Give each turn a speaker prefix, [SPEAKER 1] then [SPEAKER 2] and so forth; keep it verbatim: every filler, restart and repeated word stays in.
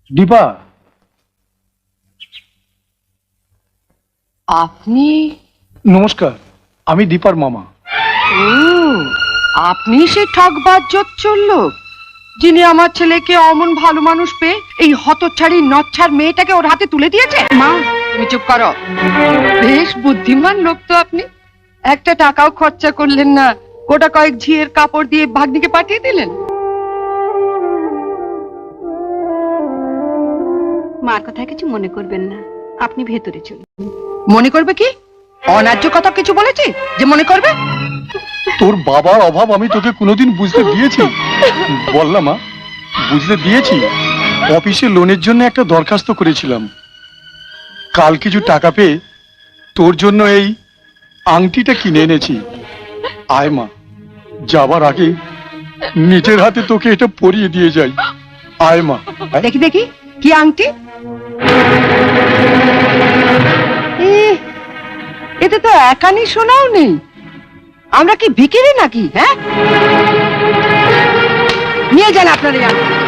[SPEAKER 1] দীপা,
[SPEAKER 2] আপনি?
[SPEAKER 1] নমস্কার, আমি দীপার মামা।
[SPEAKER 2] ও, আপনি সেই ঠকবাজ জোচ্চোর লোক যিনি আমার ছেলেকে অমন ভালো মানুষ পেয়ে এই হতচ্ছাড়ি নচ্ছার মেয়েটাকে ওর হাতে তুলে দিয়েছে। মা, তুমি চুপ করো। বেশ বুদ্ধিমান লোক তো আপনি। একটা টাকাও খরচা করলেন না, গোটা কয়েক ঝিয়ের কাপড় দিয়ে ভাগ্নিকে পাঠিয়ে দিলেন।
[SPEAKER 3] মার কথা কিছু মনে করবেন না, আপনি ভেতরে চলুন।
[SPEAKER 2] মনে করবে কি? অন্যায্য কথা কিছু বলেছি যে মনে করবে?
[SPEAKER 1] তোর বাবার অভাব আমি তোকে কোনোদিন বুঝতে দিয়েছি? বললাম মা, বুঝতে দিয়েছি। অফিসে লোনের জন্য একটা দরখাস্ত করেছিলাম। কাল কিছু টাকা পেয়ে তোর জন্য এই আংটিটা কিনে এনেছি। আয় মা, যাবার আগে নিজের হাতে তোকে এটা পরিয়ে দিয়ে যাই। আয় মা।
[SPEAKER 2] দেখি দেখি কি আংটি। এ, এতে তো একানি শোনাও নেই। আমরা কি ভিখিরি নাকি? হ্যাঁ, নিয়ে যান আপনার এই আংটি।